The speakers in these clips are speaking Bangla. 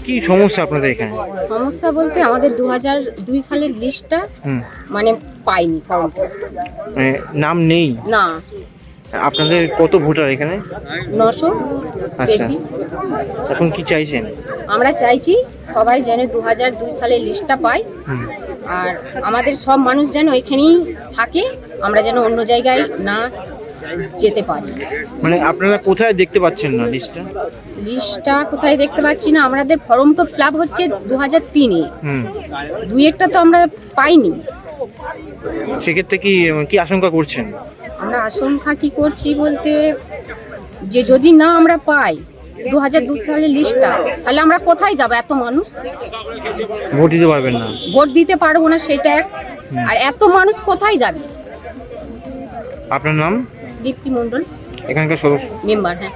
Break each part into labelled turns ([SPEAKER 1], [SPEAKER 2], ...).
[SPEAKER 1] কি সমস্যা আপনাদের এখানে?
[SPEAKER 2] সমস্যা বলতে আমাদের 2002 সালের লিস্টটা মানে পাইনি, ফর্মটা
[SPEAKER 1] মানে নাম নেই
[SPEAKER 2] না।
[SPEAKER 1] আপনাদের কত ভোটার এখানে?
[SPEAKER 2] 900
[SPEAKER 1] আচ্ছা,
[SPEAKER 2] বেশি।
[SPEAKER 1] এখন কি চাইছেন?
[SPEAKER 2] আমরা চাইছি সবাই যেন 2002 সালের লিস্টটা পায়, আর আমাদের সব মানুষ যেন এখানেই থাকে, আমরা যেন অন্য জায়গায় না যেতে পারি।
[SPEAKER 1] মানে আপনারা কোথায় দেখতে পাচ্ছেন না লিস্টটা?
[SPEAKER 2] লিস্টটা কোথায় দেখতে পাচ্ছি না, আমাদের ফর্ম তো ফিল আপ হচ্ছে 2003-এ, দুই একটা তো আমরা পাইনি।
[SPEAKER 1] সেক্ষেত্রে কি কি আশঙ্কা করছেন?
[SPEAKER 2] আমরা আশঙ্কা কি করছি বলতে, যে যদি না আমরা পাই 2002 সালের লিস্টটা, তাহলে আমরা কোথায় যাব? এত মানুষ
[SPEAKER 1] ভোট দিতে পারবেন না?
[SPEAKER 2] ভোট দিতে পারবো না, সেটা এক। আর এত মানুষ কোথায় যাবে?
[SPEAKER 1] আপনার নাম?
[SPEAKER 2] দীপ্তি মণ্ডল,
[SPEAKER 1] এখানকার সদস্য,
[SPEAKER 2] মেম্বার। হ্যাঁ,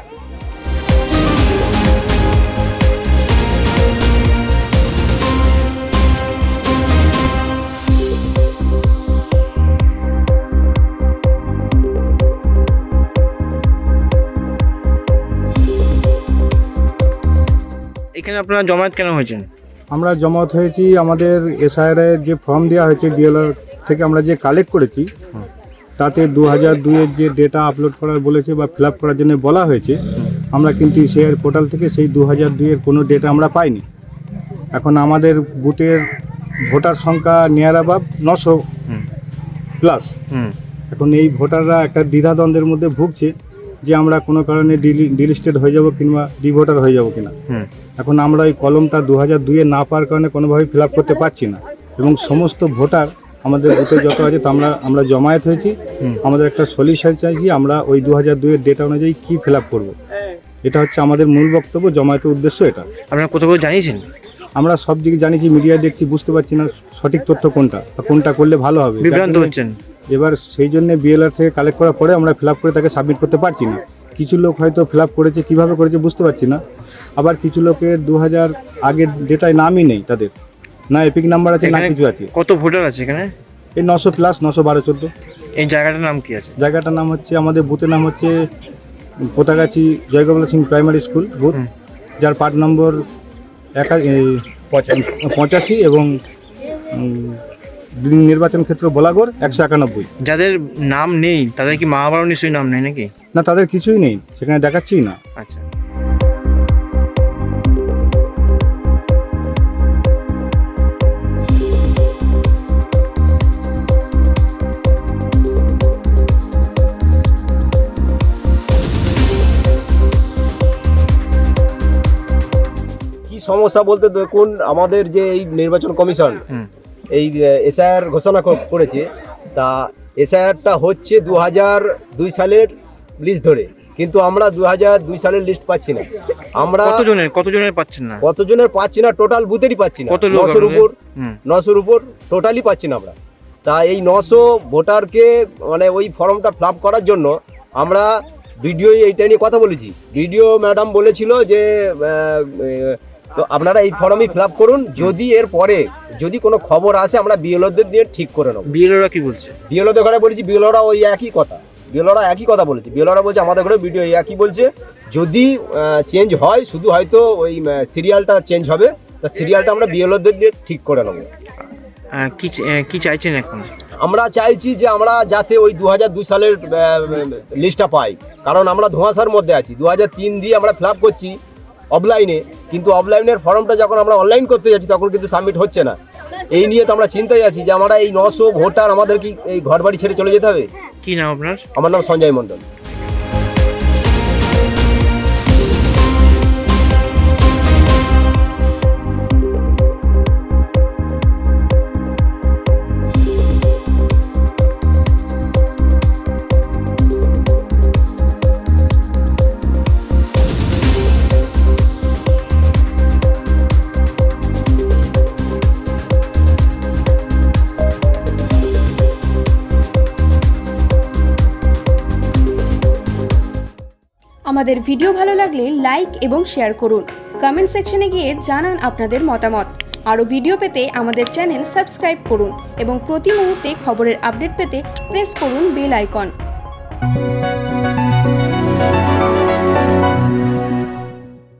[SPEAKER 1] এখানে আপনারা জমায়েত কেন হয়েছেন?
[SPEAKER 3] আমরা জমায়েত হয়েছি, আমাদের এসআইআর এর যে ফর্ম দেওয়া হয়েছে বিএলআর থেকে আমরা যে কালেক্ট করেছি, তাতে 2002-এর যে ডেটা আপলোড করার বলেছে বা ফিল আপ করার জন্য বলা হয়েছে, আমরা কিন্তু শেয়ার পোর্টাল থেকে সেই 2002-এর কোনো ডেটা আমরা পাইনি। এখন আমাদের বুথের ভোটার সংখ্যা নিয়ার অ্যাবাভ 900 প্লাস। এখন এই ভোটাররা একটা দ্বিধাদ্বন্দ্বের মধ্যে ভুগছে যে আমরা কোনো কারণে ডিলিস্টেড হয়ে যাব কিংবা ডিভোটার হয়ে যাব কিনা। এখন আমরা এই কলমটা 2002-এ না পাওয়ার কারণে কোনোভাবেই ফিল আপ করতে পারছি না, এবং সমস্ত ভোটার আমাদের বুথে যত আছে তা আমরা জমায়েত হয়েছি। আমাদের একটা সলিউশন চাইছি, আমরা ওই 2002-এর ডেটা অনুযায়ী কী ফিল আপ করবো, এটা হচ্ছে আমাদের মূল বক্তব্য, জমায়েতের উদ্দেশ্য এটা।
[SPEAKER 1] আপনারা কোথাও জানিয়েছেন?
[SPEAKER 3] আমরা সব দিকে জানিয়েছি, মিডিয়ায় দেখছি, বুঝতে পারছি না সঠিক তথ্য কোনটা বা কোনটা করলে ভালো হবে,
[SPEAKER 1] বিভ্রান্ত হচ্ছেন।
[SPEAKER 3] এবার সেই জন্য বিএলআর থেকে কালেক্ট করার পরে আমরা ফিল আপ করে তাকে সাবমিট করতে পারছি না। কিছু লোক হয়তো ফিল আপ করেছে, কীভাবে করেছে বুঝতে পারছি না। আবার কিছু লোকের 2000 আগের ডেটায় নামই নেই, তাদের না এপিক নাম্বার আছে না কিছু আছে।
[SPEAKER 1] কত ভোটার আছে এখানে?
[SPEAKER 3] এই 900 প্লাস, 912-14।
[SPEAKER 1] এই জায়গাটার নাম কি আছে?
[SPEAKER 3] জায়গাটার নাম হচ্ছে, আমাদের বুথের নাম হচ্ছে Potagachhi Joygopal Singh primary school booth, যার পার্ট নম্বর 85 এবং নির্বাচন ক্ষেত্র বলাগড় 191।
[SPEAKER 1] যাদের নাম নেই তাদের কি মা বাবার নিশ্চয়ই নাম নেই নাকি?
[SPEAKER 3] না, তাদের কিছুই নেই, সেখানে দেখাচ্ছি না।
[SPEAKER 1] আচ্ছা,
[SPEAKER 4] কি সমস্যা বলতে দেখুন, আমাদের যে এই নির্বাচন কমিশন এই এসআইআর ঘোষণা করেছে, তা এসআইআরটা হচ্ছে 2002 সালের লিস্ট ধরে, কিন্তু আমরা 2002 সালের লিস্ট পাচ্ছি না। আমরা
[SPEAKER 1] কতজনের পাচ্ছেন না?
[SPEAKER 4] কতজনের পাচ্ছি না, টোটাল বুথেরই পাচ্ছি না। 900-র উপর টোটালি পাচ্ছি না আমরা। তা এই 900 ভোটারকে মানে ওই ফর্মটা ফিল আপ করার জন্য আমরা ভিডিও এইটা নিয়ে কথা বলেছি। ভিডিও ম্যাডাম বলেছিল যে তো আপনারা এই ফর্মই ফিল আপ করুন, যদি এর পরে যদি কোনো খবর আসে আমরা বিএলওদের দিয়ে ঠিক করে নেব।
[SPEAKER 1] বিএলওরা কি বলছে?
[SPEAKER 4] বিএলওদের ঘরে বলেছি, বিএলওরা ওই একই কথা, বিএলওরা একই কথা বলেছে। বিএলওরা বলছে আমাদের ঘরে ভিডিও একই বলছে, যদি চেঞ্জ হয় শুধু হয়তো ওই সিরিয়ালটা চেঞ্জ হবে, তা সিরিয়ালটা আমরা বিএলওদের দিয়ে ঠিক করে নেব।
[SPEAKER 1] কি চাইছেন এখন?
[SPEAKER 4] আমরা চাইছি যে আমরা যাতে ওই 2002 সালের লিস্টটা পাই, কারণ আমরা ধোঁয়াশার মধ্যে আছি। 2003 দিয়ে আমরা ফিল আপ করছি অফলাইনে, কিন্তু অফলাইনের ফর্মটা যখন আমরা অনলাইন করতে যাচ্ছি তখন কিন্তু সাবমিট হচ্ছে না। এই নিয়ে তো আমরা চিন্তায় আছি যে আমরা এই 900 ভোটার আমাদের কি এই ঘর বাড়ি ছেড়ে চলে যেতে হবে।
[SPEAKER 1] কি নাম আপনার?
[SPEAKER 4] আমার নাম সঞ্জয় মণ্ডল।
[SPEAKER 5] আমাদের ভিডিও ভালো লাগলে লাইক এবং শেয়ার করুন। কমেন্ট সেকশনে গিয়ে জানান আপনাদের মতামত। আরও ভিডিও পেতে আমাদের চ্যানেল সাবস্ক্রাইব করুন এবং প্রতি মুহূর্তে খবরের আপডেট পেতে প্রেস করুন বেল আইকন।